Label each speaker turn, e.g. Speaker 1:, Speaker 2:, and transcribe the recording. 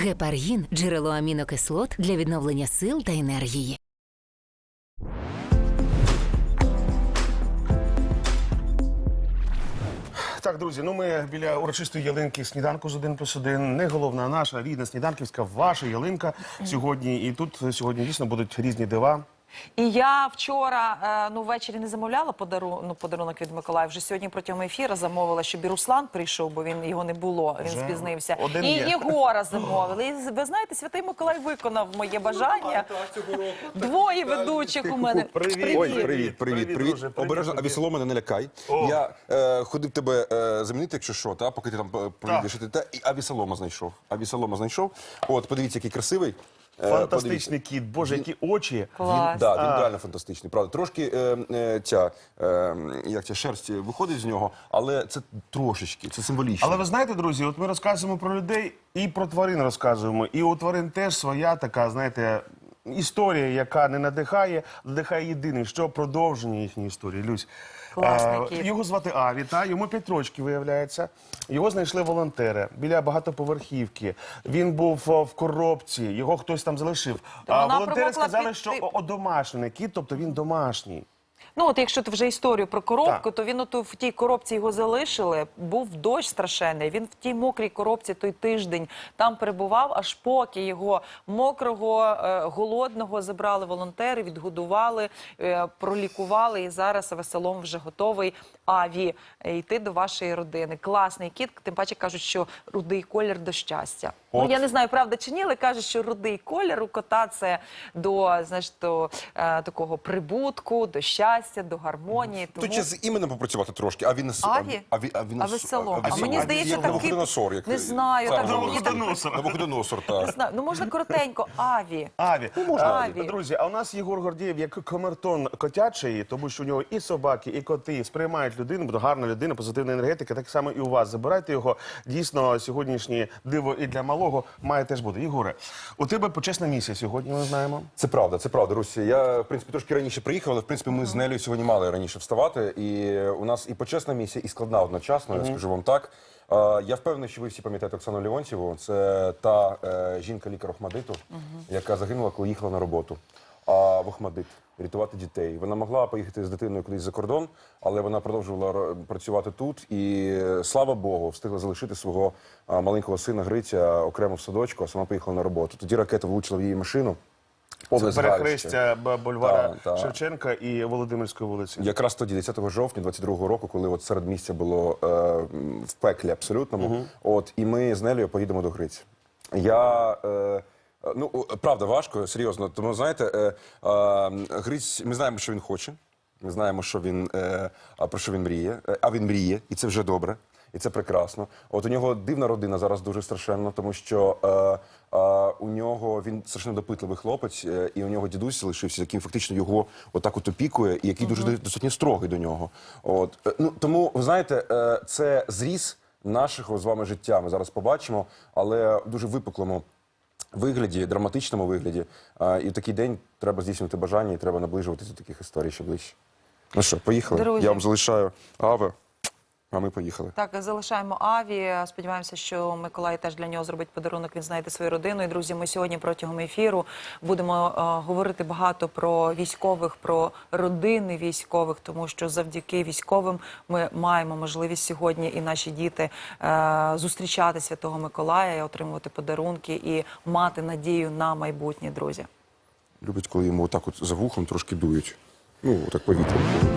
Speaker 1: Гепаргін – джерело амінокислот для відновлення сил та енергії.
Speaker 2: Так, друзі, ми біля урочистої ялинки сніданку з 1+1. Не головна, наша рідна сніданківська, ваша ялинка сьогодні. І тут сьогодні дійсно будуть різні дива.
Speaker 3: І я вчора, ввечері не замовляла подарунок від Миколая. Вже сьогодні протягом ефіру замовила, щоб і Руслан прийшов, бо його не було, він спізнився. І Єгора замовили. І ви знаєте, Святий Миколай виконав моє бажання. Двоє ведучих у мене.
Speaker 4: Привіт. Обережно, Авесолом мене не лякай. Я ходив тебе замінити, якщо що, поки ти там поїдеш. І Авесолома знайшов. От, подивіться, який красивий.
Speaker 2: Фантастичний кіт, боже, які очі.
Speaker 3: Клас.
Speaker 4: Він реально фантастичний, правда. Трошки ця шерсть виходить з нього, але це трошечки, це символічно.
Speaker 2: Але ви знаєте, друзі, от ми розказуємо про людей і про тварин розказуємо. І у тварин теж своя така, знаєте, історія, яка не надихає, надихає єдине, що продовження їхньої історії. Люсь, його звати Аві, йому 5 років, виявляється. Його знайшли волонтери біля багатоповерхівки. Він був в коробці, його хтось там залишив. Волонтери сказали, що одомашнений кіт, тобто він домашній.
Speaker 3: Ну, от якщо ти вже історію про коробку, то він в тій коробці його залишили, був дощ страшенний, він в тій мокрій коробці той тиждень там перебував, аж поки його мокрого, голодного забрали волонтери, відгодували, пролікували, і зараз Авесолом вже готовий, Аві, йти до вашої родини. Класний кіт, тим паче кажуть, що рудий колір до щастя. Ну, я не знаю, правда чи ні, але кажуть, що рудий колір у кота – це до, знаєш, до такого прибутку, до щастя, до гармонії.
Speaker 4: Тут ще з іменем попрацювати трошки, а він...
Speaker 3: Аві? Авесолом. А мені здається, такий... Не знаю.
Speaker 4: Навуходоносор, так.
Speaker 3: Ну, можна коротенько. Аві.
Speaker 2: Аві. Друзі, а у нас Єгор Гордієв як камертон котячий, тому що у нього і собаки, і коти сприймають людину, бо гарна людина, позитивна енергетика, так само і у вас. Забирайте його. Дійсно, сьогоднішнє диво і для малого має теж бути. Єгоре, у тебе почесна місія сьогодні, ми знаємо.
Speaker 4: Це правда, Русі. Я, в принципі, трошки раніше приїхав, але, в принципі, ми з Нелею сьогодні мали раніше вставати. І у нас і почесна місія, і складна одночасно, я скажу вам так. Я впевнений, що ви всі пам'ятаєте Оксану Леонтьєву. Це та жінка-лікар Охмадиту, яка загинула, коли їхала на роботу в Охмадит рятувати дітей. Вона могла поїхати з дитиною кудись за кордон, але вона продовжувала працювати тут. І, слава Богу, встигла залишити свого маленького сина Гриця окремо в садочку, а сама поїхала на роботу. Тоді ракета влучила в її машину.
Speaker 2: Це перехрестя бульвара Шевченка і Володимирської вулиці.
Speaker 4: Якраз тоді, 10 жовтня 22-го року, коли от середмістя було в пеклі абсолютному, і ми з Нелею поїдемо до Гриця. Ну, правда, важко, серйозно. Тому, знаєте, Гриць, ми знаємо, що він хоче, ми знаємо, про що він мріє, а він мріє, і це вже добре, і це прекрасно. От у нього дивна родина зараз дуже страшенно, тому що у нього, він страшно допитливий хлопець, і у нього дідусь лишився, який фактично його отак от опікує, і який дуже достатньо строгий до нього. Тому, ви знаєте, це зріз нашого з вами життя, ми зараз побачимо, але в дуже випуклому вигляді, драматичному вигляді. І в такий день треба здійснювати бажання і треба наближуватися до таких історій ще ближче. Ну що, поїхали?
Speaker 3: Друзі.
Speaker 4: Я вам залишаю Аве, а ми поїхали.
Speaker 3: Так, залишаємо Аві. Сподіваємося, що Миколай теж для нього зробить подарунок, він знайде свою родину. І, друзі, ми сьогодні протягом ефіру будемо говорити багато про військових, про родини військових, тому що завдяки військовим ми маємо можливість сьогодні і наші діти зустрічати Святого Миколая, і отримувати подарунки і мати надію на майбутнє, друзі.
Speaker 4: Любить, коли йому отак от за вухом трошки дують. Ну, так повітря.